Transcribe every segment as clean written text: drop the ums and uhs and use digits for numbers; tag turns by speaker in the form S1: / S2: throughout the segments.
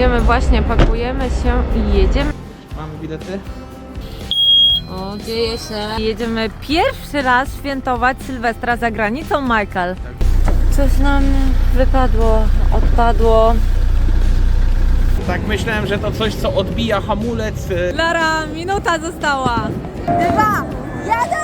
S1: Jedziemy właśnie, pakujemy się i jedziemy.
S2: Mamy bilety?
S1: O, dzieje się. Jedziemy pierwszy raz świętować Sylwestra za granicą, Michael. Coś nam wypadło, odpadło.
S2: Tak myślałem, że to coś, co odbija hamulec.
S1: Lara, minuta została. 2, 1!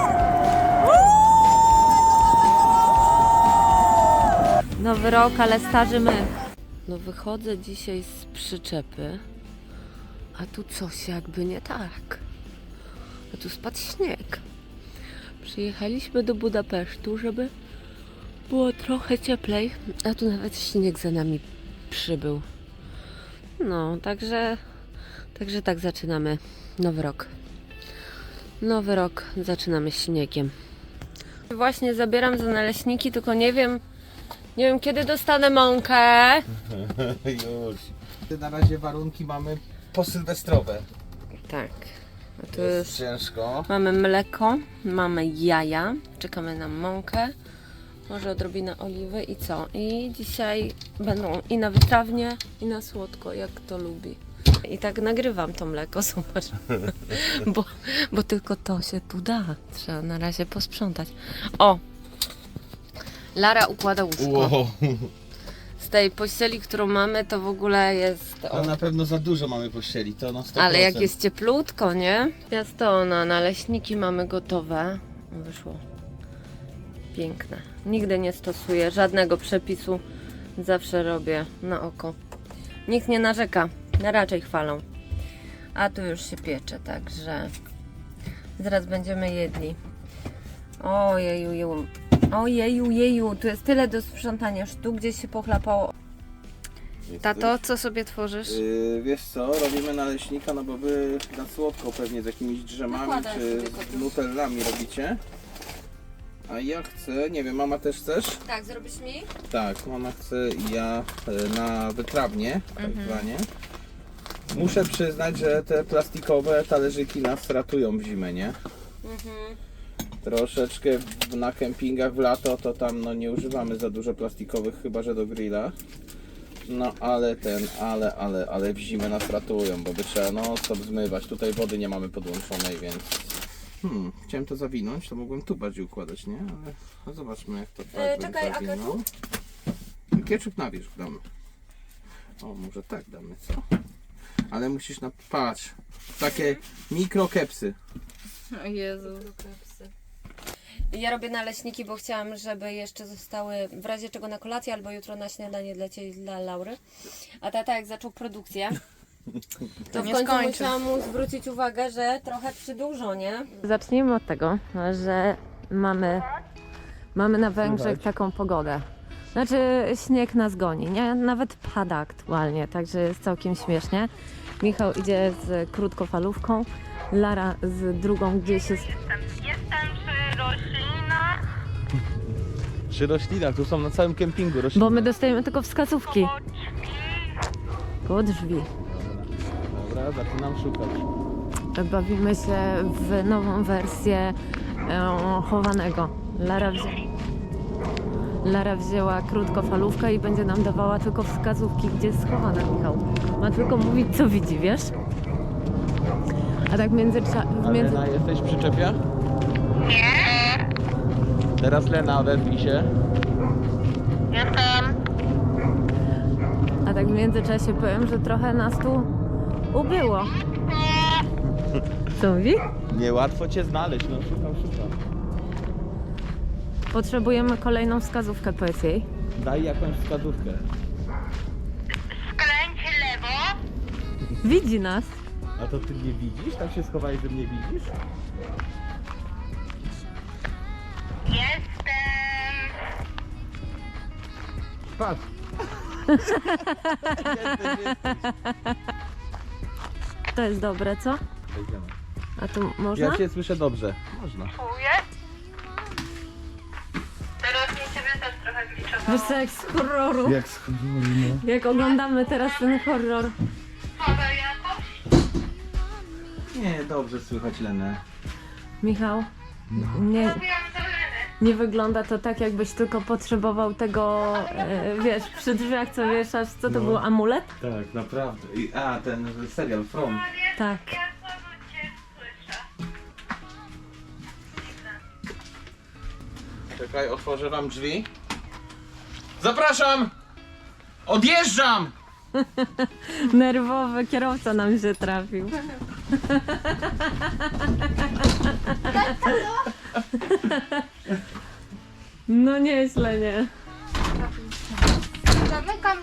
S1: Nowy rok, ale starzy my. No wychodzę dzisiaj z przyczepy, a tu coś jakby nie tak. A tu spadł śnieg. Przyjechaliśmy do Budapesztu, żeby było trochę cieplej, a tu nawet śnieg za nami przybył. No, także tak zaczynamy nowy rok. Nowy rok zaczynamy śniegiem. Właśnie zabieram za naleśniki, tylko nie wiem kiedy dostanę mąkę.
S2: Już. Na razie warunki mamy posylwestrowe.
S1: Tak. A tu
S2: Jest
S1: już
S2: ciężko.
S1: mamy mleko, mamy jaja, czekamy na mąkę, może odrobinę oliwy i co? I dzisiaj będą i na wytrawnie, i na słodko, jak to lubi. I tak nagrywam to mleko, zobacz, bo tylko to się tu da. Trzeba na razie posprzątać. O! Lara układa łóżko.
S2: Wow.
S1: Z tej pościeli, którą mamy, to w ogóle jest...
S2: To na pewno za dużo mamy pościeli, to na 100%.
S1: Ale jak jest cieplutko, nie? Piastona, naleśniki mamy gotowe. Wyszło piękne. Nigdy nie stosuję żadnego przepisu. Zawsze robię na oko. Nikt nie narzeka, raczej chwalą. A tu już się piecze, także zaraz będziemy jedli. Ojeju, ojeju, tu jest tyle do sprzątania, już tu gdzieś się pochlapało. Tato, co sobie tworzysz?
S2: Wiesz co, robimy naleśnika, no bo wy na słodko pewnie z jakimiś drzemami
S1: Nakładaj
S2: czy
S1: sobie kogoś.
S2: z nutellami robicie. A ja chcę, nie wiem, mama też chcesz?
S1: Tak, zrobisz mi?
S2: Tak, mama chce i ja na wytrawnie, tak zwanie. Muszę przyznać, że te plastikowe talerzyki nas ratują w zimę, nie? Troszeczkę na kempingach w lato to tam no nie używamy za dużo plastikowych, chyba że do grilla. No ale ale w zimę nas ratują, bo by trzeba no stop zmywać. Tutaj wody nie mamy podłączonej, więc chciałem to zawinąć, to mogłem tu bardziej układać, nie? Ale no zobaczmy jak to tak
S1: czekaj, a
S2: zawinął. Ketchup na wierzch damy. O, może tak damy, co? Ale musisz patrz, takie mikrokepsy.
S1: O Jezu. Ja robię naleśniki, bo chciałam, żeby jeszcze zostały w razie czego na kolację albo jutro na śniadanie dla Laury. A tata jak zaczął produkcję, to w końcu musiałam mu zwrócić uwagę, że trochę przydłużo, nie? Zacznijmy od tego, że mamy na Węgrzech taką pogodę. Znaczy śnieg nas goni, nie? Nawet pada aktualnie, także jest całkiem śmiesznie. Michał idzie z krótkofalówką, Lara z drugą gdzieś jest...
S3: Jestem przy roślinach.
S2: Przy roślinach, tu są na całym kempingu rośliny.
S1: Bo my dostajemy tylko wskazówki. Koło drzwi.
S2: Dobra, zaczynam szukać.
S1: Bawimy się w nową wersję chowanego. Lara wzięła krótkofalówkę i będzie nam dawała tylko wskazówki, gdzie jest schowana, Michał. Ma tylko mówić, co widzi, wiesz? A tak
S2: Lena, jesteś w przyczepie? Nie. Teraz Lena, odezwij się.
S3: Jestem.
S1: A tak w międzyczasie powiem, że trochę nas tu ubyło. Co mówi?
S2: Niełatwo cię znaleźć, no szukam.
S1: Potrzebujemy kolejną wskazówkę, powiedz jej.
S2: Daj jakąś wskazówkę.
S3: Skręć lewo.
S1: Widzi nas.
S2: A to ty mnie widzisz? Tak się schowałeś, że mnie widzisz?
S3: Jestem.
S2: Patrz.
S1: To jest dobre, co?
S2: Wejdziemy.
S1: A tu można?
S2: Ja cię słyszę dobrze. Można.
S3: Czuję. Teraz mnie ciebie też trochę gliczowało.
S1: Wiesz co, jak z horroru.
S2: Jak schowali, no.
S1: Jak oglądamy teraz ten horror.
S3: Woda jakoś?
S2: Nie, dobrze słychać Lenę.
S1: Michał, nie,
S3: Mówiłam do Leny.
S1: nie wygląda to tak, jakbyś tylko potrzebował tego, wiesz, przy drzwiach co wieszasz, co to był amulet?
S2: Tak, naprawdę. Ten serial From.
S1: Tak.
S3: Ja znowu cię słyszę.
S2: Czekaj, otworzę wam drzwi. Zapraszam! Odjeżdżam!
S1: Nerwowy kierowca nam się trafił. No nieźle, nie?
S3: Zamykam.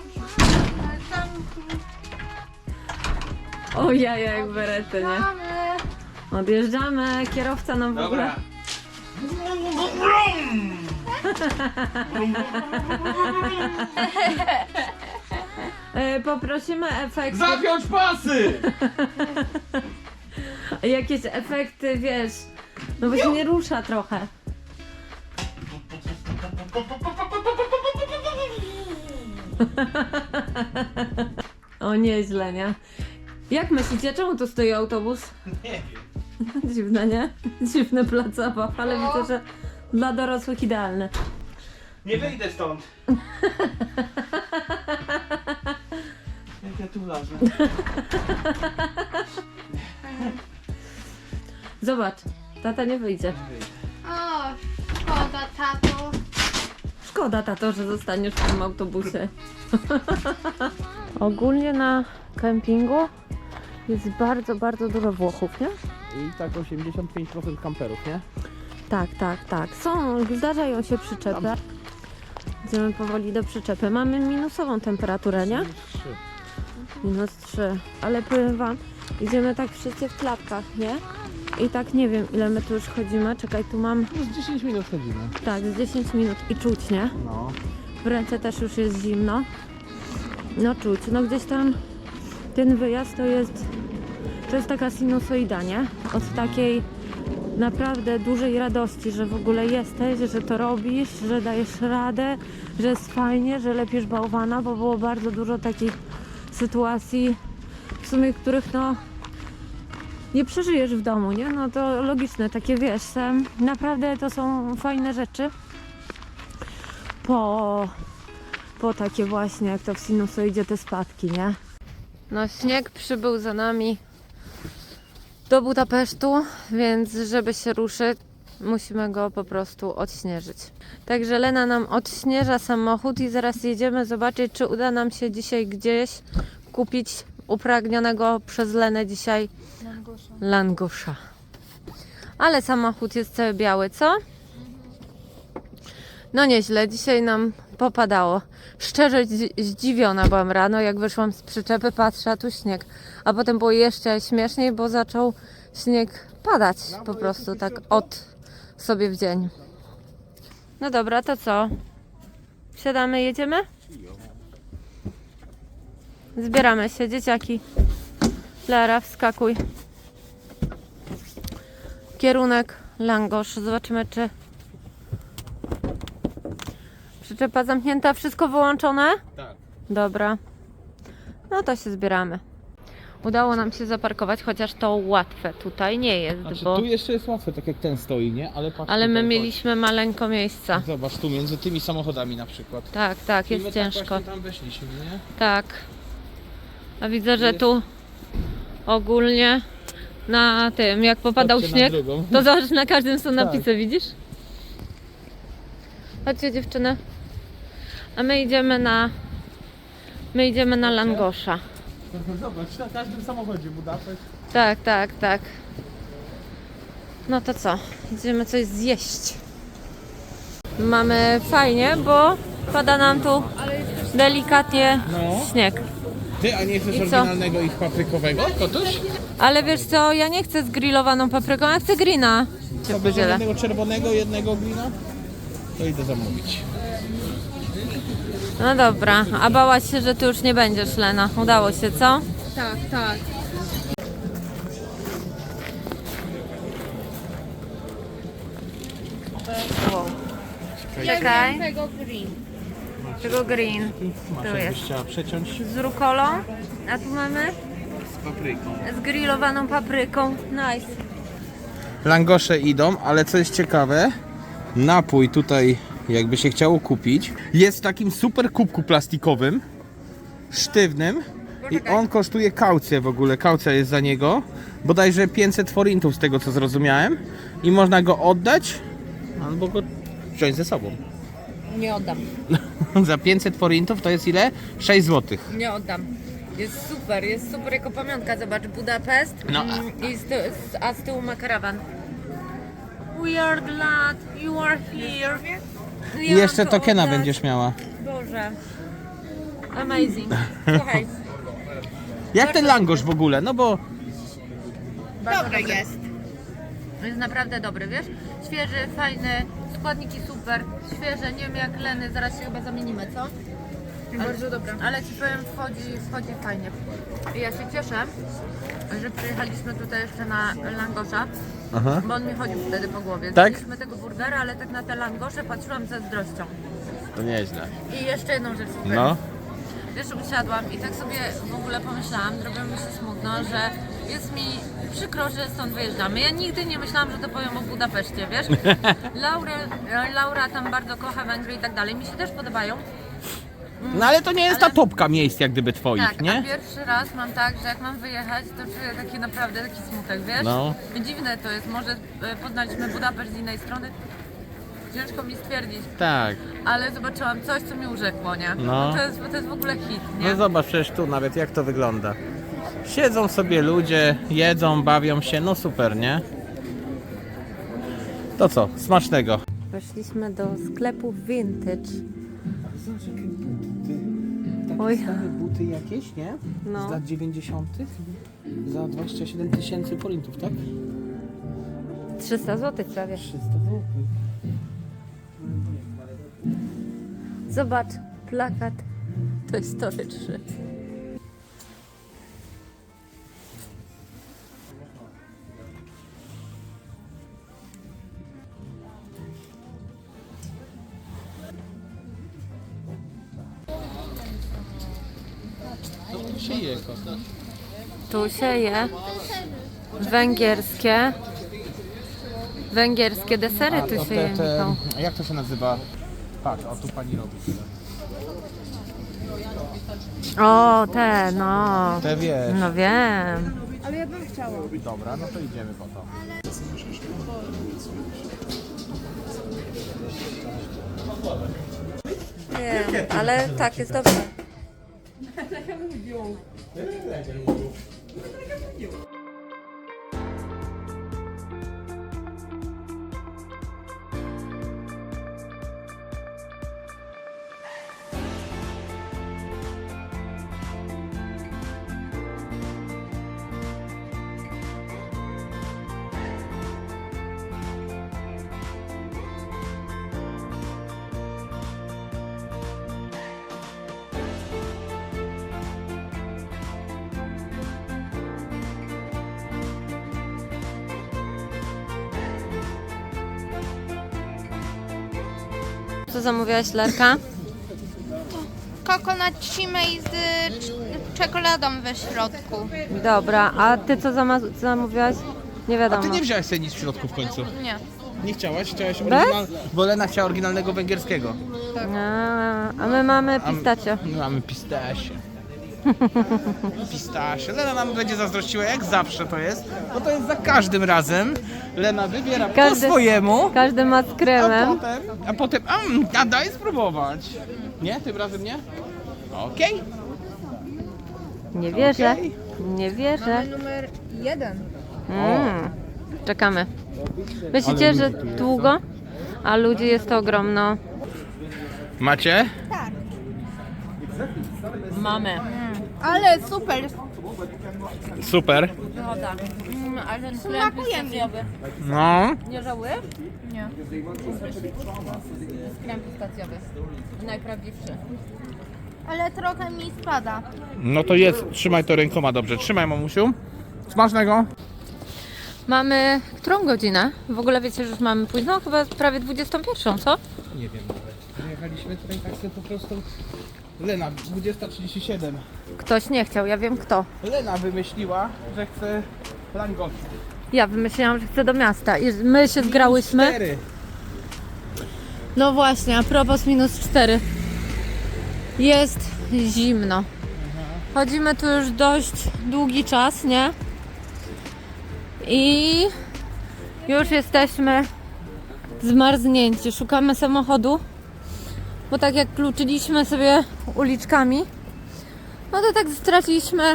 S1: O jaja, jak berety, nie? Odjeżdżamy, kierowca nam w ogóle...
S2: Dobra.
S1: Poprosimy efekty,
S2: Zapiąć pasy!
S1: jakieś efekty, wiesz, no bo się nie rusza trochę. O, nieźle, nie? Jak myślicie, czemu tu stoi autobus?
S2: Nie wiem.
S1: Dziwne, nie? Dziwny plac zabaw, ale widzę, że dla dorosłych idealny.
S2: Nie wyjdę stąd. Jak ja tu wlazłem?
S1: Zobacz, tata nie wyjdzie.
S3: O, szkoda, tato.
S1: Szkoda, tato, że zostaniesz w tym autobusie. Ogólnie na kempingu jest bardzo, bardzo dużo Włochów, nie?
S2: I tak 85% kamperów, nie?
S1: Tak, tak, tak. Zdarzają się przyczepy. Idziemy powoli do przyczepy. Mamy minusową temperaturę, nie? -3. Ale powiem wam, idziemy tak wszyscy w klapkach, nie? I tak nie wiem, ile my tu już chodzimy. Czekaj, tu mam...
S2: Z 10 minut chodzimy.
S1: Tak, z 10 minut i czuć, nie?
S2: No.
S1: W ręce też już jest zimno. No czuć. No gdzieś tam ten wyjazd to jest taka sinusoida, nie? Od takiej naprawdę dużej radości, że w ogóle jesteś, że to robisz, że dajesz radę, że jest fajnie, że lepisz bałwana, bo było bardzo dużo takich sytuacji, w sumie których no nie przeżyjesz w domu, nie? No to logiczne, takie wiesz, naprawdę to są fajne rzeczy po takie właśnie, jak to w sinusoidzie, te spadki, nie? No śnieg przybył za nami do Budapesztu, więc żeby się ruszyć, musimy go po prostu odśnieżyć. Także Lena nam odśnieża samochód i zaraz jedziemy zobaczyć, czy uda nam się dzisiaj gdzieś kupić upragnionego przez Lenę dzisiaj langosza. Ale samochód jest cały biały, co? No nieźle, dzisiaj nam popadało. Szczerze zdziwiona byłam rano, jak wyszłam z przyczepy, patrzę, a tu śnieg. A potem było jeszcze śmieszniej, bo zaczął śnieg padać po prostu tak od sobie w dzień. No dobra, to co? Wsiadamy, jedziemy? Zbieramy się, dzieciaki. Lara, wskakuj. Kierunek Langosz. Zobaczymy, czy przyczepa zamknięta, wszystko wyłączone?
S2: Tak.
S1: Dobra. No to się zbieramy. Udało nam się zaparkować, chociaż to łatwe tutaj nie jest,
S2: Znaczy,
S1: bo...
S2: tu jeszcze jest łatwe, tak jak ten stoi, nie? Ale patrz,
S1: Ale my
S2: tutaj,
S1: mieliśmy maleńko miejsca.
S2: chodź. Zobacz, tu między tymi samochodami na przykład.
S1: Tak, tak,
S2: I
S1: jest
S2: my
S1: ciężko.
S2: Tak właśnie tam weszliśmy, nie?
S1: Tak. A widzę, że
S2: Jest-
S1: tu ogólnie na tym, jak popadał
S2: Patrzcie na
S1: śnieg,
S2: drugą.
S1: to zobacz, na każdym są
S2: Tak.
S1: napisy, widzisz? Chodźcie, dziewczyny. A my idziemy na Langosza.
S2: Zobacz, na każdym samochodzie Budapeszt.
S1: Tak, tak, tak. No to co? Idziemy coś zjeść. Mamy fajnie, bo pada nam tu delikatnie
S2: No.
S1: śnieg.
S2: Ty, a nie chcesz
S1: I co?
S2: oryginalnego ich paprykowego, kotuś?
S1: Ale wiesz co, ja nie chcę zgrillowaną papryką, ja chcę grina.
S2: Co, będzie jednego czerwonego, jednego glina? To idę zamówić.
S1: No dobra, a bałaś się, że ty już nie będziesz, Lena. Udało się, co?
S4: Tak, tak.
S1: Czekaj,
S4: Tego green.
S1: tego green
S2: Masz,
S1: Tu
S2: jakbyś
S1: jest.
S2: chciała przeciąć
S1: z rukolą, a tu mamy
S2: z papryką.
S1: z grillowaną papryką. Nice.
S2: Langosze idą, ale co jest ciekawe, napój tutaj jakby się chciało kupić. Jest w takim super kubku plastikowym, sztywnym i on kosztuje kaucję w ogóle, kaucja jest za niego. Bodajże 500 forintów z tego co zrozumiałem i można go oddać albo go wziąć ze sobą.
S1: Nie oddam.
S2: Za 500 forintów to jest ile? 6 zł.
S1: Nie oddam. Jest super jako pamiątka. Zobacz, Budapest
S2: No.
S1: i a z tyłu ma karawan. We are glad you are here.
S2: I jeszcze tokena będziesz miała.
S1: Boże. Amazing. Słuchaj.
S2: Jak ten langosz w ogóle? No bo
S1: Dobry jest. Jest naprawdę dobry, wiesz? Świeży, fajny, składniki super, świeże, nie wiem jak Leny, zaraz się chyba zamienimy, co? Bardzo dobra. Ale ci powiem, wchodzi fajnie. I ja się cieszę, że przyjechaliśmy tutaj jeszcze na langosza, bo on mi chodził wtedy po głowie.
S2: Tak?
S1: Zjedliśmy tego burgera, ale tak na te langosze patrzyłam ze zazdrością.
S2: to nieźle.
S1: I jeszcze jedną rzecz powiem.
S2: No.
S1: Wiesz, usiadłam i tak sobie w ogóle pomyślałam, zrobiło mi się smutno, że jest mi przykro, że stąd wyjeżdżamy. Ja nigdy nie myślałam, że to powiem o Budapeszcie, wiesz? Laura tam bardzo kocha Węgry i tak dalej. Mi się też podobają.
S2: No ale to nie jest ta topka miejsc jak gdyby twoich,
S1: Tak, a
S2: nie?
S1: pierwszy raz mam tak, że jak mam wyjechać, to czuję taki naprawdę taki smutek, wiesz?
S2: No.
S1: Dziwne to jest, może poznaliśmy Budapeszt z innej strony. Ciężko mi stwierdzić,
S2: Tak.
S1: ale zobaczyłam coś, co mi urzekło, nie?
S2: No.
S1: To jest w ogóle hit, nie?
S2: No zobacz przecież tu nawet jak to wygląda. Siedzą sobie ludzie, jedzą, bawią się, no super, nie? To co? Smacznego.
S1: Weszliśmy do sklepu Vintage.
S2: Zobacz jakie buty. Takie
S1: Oj.
S2: stare buty jakieś, nie?
S1: No.
S2: Z lat 90. Za 27 tysięcy forintów, tak?
S1: 300 zł prawie.
S2: 300 zł.
S1: Zobacz, plakat Toy Story 3.
S2: To się je, kota.
S1: Tu się je węgierskie desery tu się je, Michał.
S2: Jak to się nazywa? Patrz, o tu pani robi.
S1: O, te, no.
S2: Te wiesz.
S1: No wiem.
S2: Dobra, no to idziemy po to.
S1: Wiem, ale tak, jest dobrze. Co zamówiłaś, Lerka?
S3: Coconut chimay z czekoladą we środku.
S1: Dobra, a ty co zamówiłaś? Nie
S2: A
S1: wiadomo.
S2: ty nie wziąłeś sobie nic w środku w końcu?
S3: Nie.
S2: Nie chciałaś? Chciałaś
S1: Bez?
S2: bo Lena chciała oryginalnego węgierskiego.
S1: A my mamy pistacio.
S2: My mamy pistasie. Pistasie. Lena nam będzie zazdrościła, jak zawsze to jest. Bo to jest za każdym razem. Lena wybiera po swojemu.
S1: Każdy ma z kremem.
S2: A potem, a daj spróbować. Nie? Tym razem nie? Okej.
S1: Nie wierzę.
S2: Okej.
S1: Nie wierzę.
S3: Numer 1.
S1: Czekamy. Myślicie, że długo? A ludzi jest to ogromno.
S2: Macie?
S1: Mamy.
S3: Ale super.
S2: Super.
S1: Wychoda. Ale ten
S3: Smakuje mi.
S2: No.
S1: Nie żałujesz?
S3: Nie.
S1: Krem pistacjowy. Najprawdziwszy.
S3: Ale trochę mi spada.
S2: No to jest, trzymaj to rękoma dobrze. Trzymaj, mamusiu. Smacznego.
S1: Mamy którą godzinę? W ogóle wiecie, że już mamy późno? Chyba prawie 21, co?
S2: Nie wiem nawet. Przyjechaliśmy tutaj tak sobie po prostu. Lena, 20:37.
S1: Ktoś nie chciał, ja wiem kto.
S2: Lena wymyśliła, że chce langoszy.
S1: Ja wymyśliłam, że chcę do miasta i my się zgrałyśmy.
S2: 4.
S1: No właśnie, a propos -4. Jest zimno. Chodzimy tu już dość długi czas, nie? I już jesteśmy zmarznięci. Szukamy samochodu, bo tak jak kluczyliśmy sobie uliczkami, no to tak straciliśmy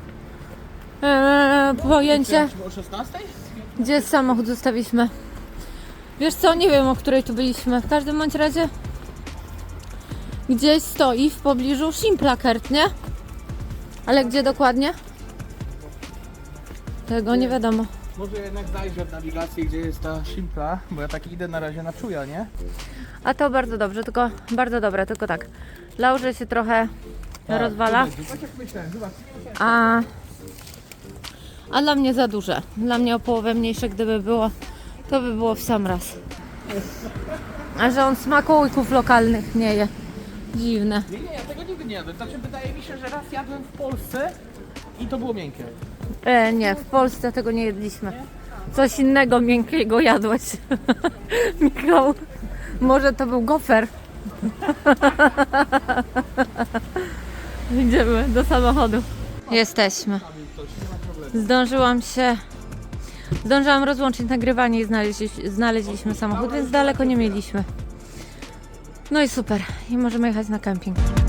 S1: pojęcie,
S2: O 16?
S1: gdzie samochód zostawiliśmy. Wiesz co, nie wiem, o której tu byliśmy. W każdym bądź razie gdzieś stoi w pobliżu Simplakert, nie? Ale gdzie dokładnie? Tego nie wiadomo.
S2: Może jednak zajrzę w nawigację, gdzie jest ta Simpla, bo ja tak idę na razie na czuja, nie?
S1: A to bardzo dobrze, tylko bardzo dobre, tylko tak. Laurze się trochę rozwala,
S2: Tak jak myślałem, zobacz.
S1: a dla mnie za duże. Dla mnie o połowę mniejsze, gdyby było, to by było w sam raz. A że on smakołyków lokalnych nie je. Dziwne.
S2: Nie, ja tego nigdy nie jadłem. Znaczy wydaje mi się, że raz jadłem w Polsce i to było miękkie.
S1: Nie, w Polsce tego nie jedliśmy. Coś innego miękkiego jadłeś. Michał, może to był gofer. Idziemy do samochodu. Jesteśmy. Zdążyłam rozłączyć nagrywanie i znaleźliśmy samochód, więc daleko nie mieliśmy. No i super. I możemy jechać na kemping.